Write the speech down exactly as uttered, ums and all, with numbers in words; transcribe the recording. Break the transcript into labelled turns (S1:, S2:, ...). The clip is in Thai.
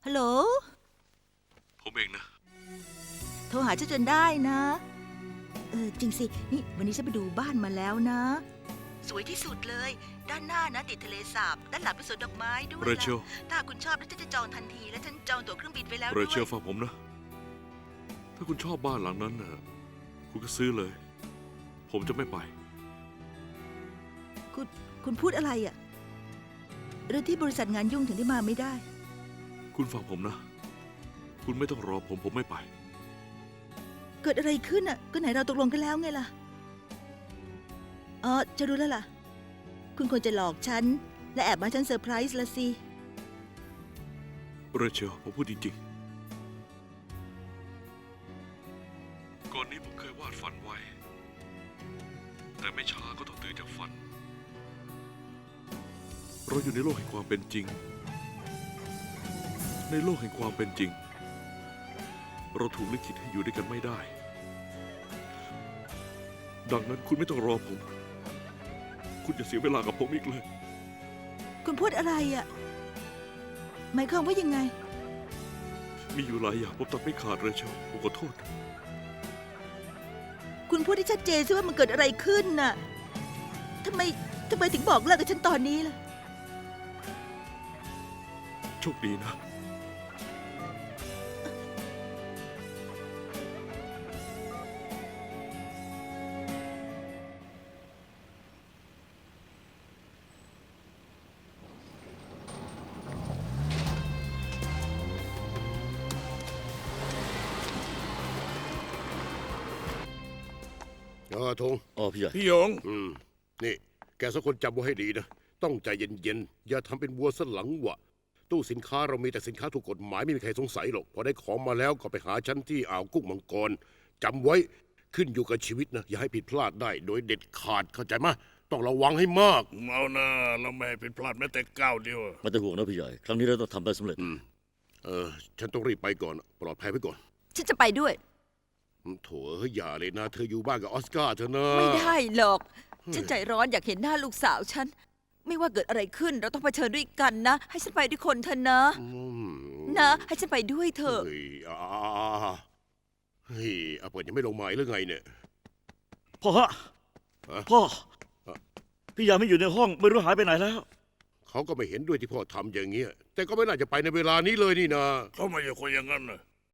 S1: ฮัลโหล
S2: ผมเองนะ
S1: โทรหาฉันจนได้นะเออจริงสินี่วันนี้ฉันไปดูบ้านมาแล้วนะสวยที่สุดเลยด้านหน้านะติดทะเลสาบด้านหลังเป็นสวนดอกไม้ด้วย
S2: เรเชล
S1: ถ้าคุณชอบแล้วฉันจะจองทันทีและฉันจองตั๋วเครื่องบินไปแล้ว
S2: เร
S1: ด้วย
S2: เชลฟังผมนะถ้าคุณชอบบ้านหลังนั้นนะคุณก็ซื้อเลย ผมจะไม่ไป
S1: คุณคุณพูดอะไรอ่ะเรื่องที่บริษัทงานยุ่งถึงได้มาไม่ได้
S2: คุณฟังผมนะคุณไม่ต้องรอผมผมไม่ไป
S1: เกิดอะไรขึ้นอ่ะก็ไหนเราตกลงกันแล้วไงล่ะอ๋อจะรู้แล้วล่ะคุณควรจะหลอกฉันและแอบมาฉันเซอร์ไพรส์ละสิ
S2: เรเชลผมพูดจริงๆก่อนนี้ผมเคยวาดฝันไว้แต่ไม่ช้าก็ต้องตื่นจากฝันเราอยู่ในโลกแห่งความเป็นจริงในโลกแห่งความเป็นจริงเราถูกลิขิตให้อยู่ด้วยกันไม่ได้ดังนั้นคุณไม่ต้องรอผมคุณจะเสียเวลากับผมอีกเลย
S1: คุณพูดอะไรอ่ะหมายความว่ายังไง
S2: มีอยู่หลายอย่างผมตัดไม่ขาดเลยเชียวผมขอโทษ
S1: คุณพูดให้ชัดเจนสิว่ามันเกิดอะไรขึ้นน่ะทำไมทำไมถึงบอกเลิกกับฉันตอนนี้ล่ะ
S2: โชคดีนะ
S3: เออธง
S4: อ๋อพี่ใหญ่
S5: พี่หยง
S3: อืมนี่แกสักคนจำไว้ให้ดีนะต้องใจเย็นๆอย่าทำเป็นวัวสลังวะตู้สินค้าเรามีแต่สินค้าถูกกฎหมายไม่มีใครสงสัยหรอกพอได้ของมาแล้วก็ไปหาฉันที่อ่าวกุ้งมังกรจำไว้ขึ้นอยู่กับชีวิตนะอย่าให้ผิดพลาดได้โดยเด็ดขาดเข้าใจไหมต้องระวังให้มาก
S5: เอาหน้าเราไม่ให้ผิดพลาดแม้แต่ก้าวเดียว
S4: ไม่ต้องห่วงนะพี่ใหญ่ครั้งนี้เราต้องทำได้สำเร็จ
S3: เออฉันต้องรีบไปก่อนปลอดภัยไว้ก่อน
S1: ฉันจะไปด้วย
S3: โถเฮ้ยอย่าเลยนะเธออยู่บ้านกับออสการ์เธอนะ
S1: ไม่ได้หรอกฉันใจร้อนอยากเห็นหน้าลูกสาวฉันไม่ว่าเกิดอะไรขึ้นเราต้องเผชิญด้วยกันนะให้ฉันไปด้วยคนเถอะนะนะให้ฉันไปด้วยเถอะ
S3: เฮ้ยอ่าเฮ้ยอาเปิดยังไม่ลงหมายหรือไงเนี่ย
S4: พ่อฮะพ่อพี่ใหญ่ไม่อยู่ในห้องไม่รู้หายไปไหนแล้ว
S3: เขาก็ไม่เห็นด้วยที่พ่อทำอย่างเงี้ยแต่ก็ไม่น่าจะไปในเวลานี้เลยนี่นะ
S5: เขาไม่ใช่คนอย่างนั้นนะ